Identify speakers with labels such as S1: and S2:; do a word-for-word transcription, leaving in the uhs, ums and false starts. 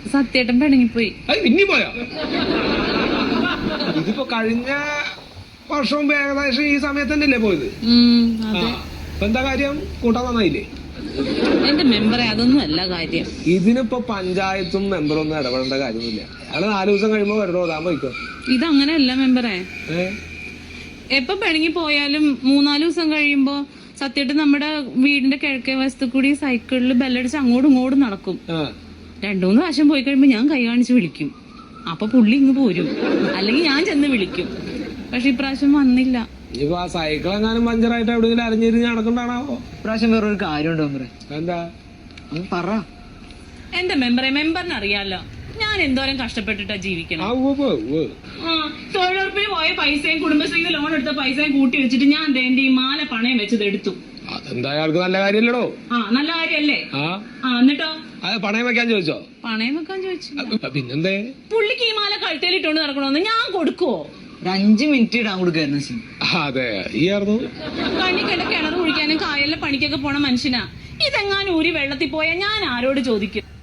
S1: സത്യേട്ടൻ പിണങ്ങിപ്പോയി.
S2: പിന്നെ പോയോ? ഇതിപ്പോ കഴിഞ്ഞ വർഷവും ഏകദേശം ഈ സമയത്ത് തന്നെയല്ലേ പോയത്? ഇപ്പൊ എന്താ കാര്യം? കൂട്ടാൻ നന്നായില്ലേ?
S1: എന്റെ മെമ്പറെ അതൊന്നും അല്ല കാര്യം.
S2: ഇതിനിപ്പോ പഞ്ചായത്തും മെമ്പറും ഒന്നും ഇടപെടേണ്ട കാര്യമൊന്നുമില്ല. അയാള് നാലു ദിവസം കഴിയുമ്പോ വരണോ താൻ പോയിക്കോ.
S1: ഇതങ്ങനെയല്ല മെമ്പറെ. എപ്പൊ പിണങ്ങി പോയാലും മൂന്നാല് ദിവസം കഴിയുമ്പോ സത്യേട്ടൻ നമ്മുടെ വീടിന്റെ കിഴക്കേ വശത്ത് കൂടി സൈക്കിളിൽ ബെല്ലടിച്ച് അങ്ങോട്ടും ഇങ്ങോട്ടും നടക്കും. രണ്ടു മൂന്ന് പ്രാവശ്യം പോയി കഴിയുമ്പോ ഞാൻ കൈ കാണിച്ച് വിളിക്കും. അപ്പൊ പുള്ളി ഇങ്ങ് പോരും, അല്ലെങ്കിൽ ഞാൻ ചെന്ന് വിളിക്കും. പക്ഷെ ഇപ്രാവശ്യം വന്നില്ല.
S2: ഇപ്പൊ ആ സൈക്കിൾ എങ്ങാനും പഞ്ചറായിട്ട് എവിടെയെങ്കിലും അരഞ്ഞിരിഞ്ഞ് നടക്കണ്ടാണാവോ?
S3: ഇപ്രാവശ്യം വേറൊരു കാര്യമുണ്ടോ മെമ്പറെ?
S2: എന്താ
S3: പറ.
S1: എന്റെ മെമ്പറെ, മെമ്പറിന് അറിയാലോ ഞാൻ എന്തോരം കഷ്ടപ്പെട്ടിട്ടാ ജീവിക്കണം. തൊഴിലുറപ്പിന് പോയ പൈസയും കുടുംബശ്രീയിൽ ലോൺ എടുത്ത പൈസയും കൂട്ടി വെച്ചിട്ട് ഞാൻ എന്റെ ഈ മാല പണയം വെച്ചത് എടുത്തു.
S2: അതെന്താ അയാൾക്ക് നല്ല കാര്യമല്ലടോ?
S1: ആ നല്ല കാര്യല്ലേ? ആ എന്നിട്ടോ?
S2: പണയം വെക്കാൻ ചോദിച്ചോ?
S1: പണയം വെക്കാൻ ചോദിച്ചു.
S2: പിന്നെന്തേ? പുള്ളിക്ക്
S1: ഈ മാല കഴുത്തേലിട്ടോണ്ട് നടക്കണോന്ന് ഞാൻ കൊടുക്കുവോ?
S3: ഒരു അഞ്ചു മിനിറ്റ് ഇടാൻ കൊടുക്കായിരുന്നു.
S2: അതെ, ഈ ആയിരുന്നു
S1: കണ്ണിക്കണ്ട കിണർ കുഴിക്കാനും കായലിലെ പണിക്കൊക്കെ പോണ മനുഷ്യനാ. ഇതെങ്ങാനും ഊരി വെള്ളത്തിൽ പോയാൽ ഞാൻ ആരോട് ചോദിക്കും?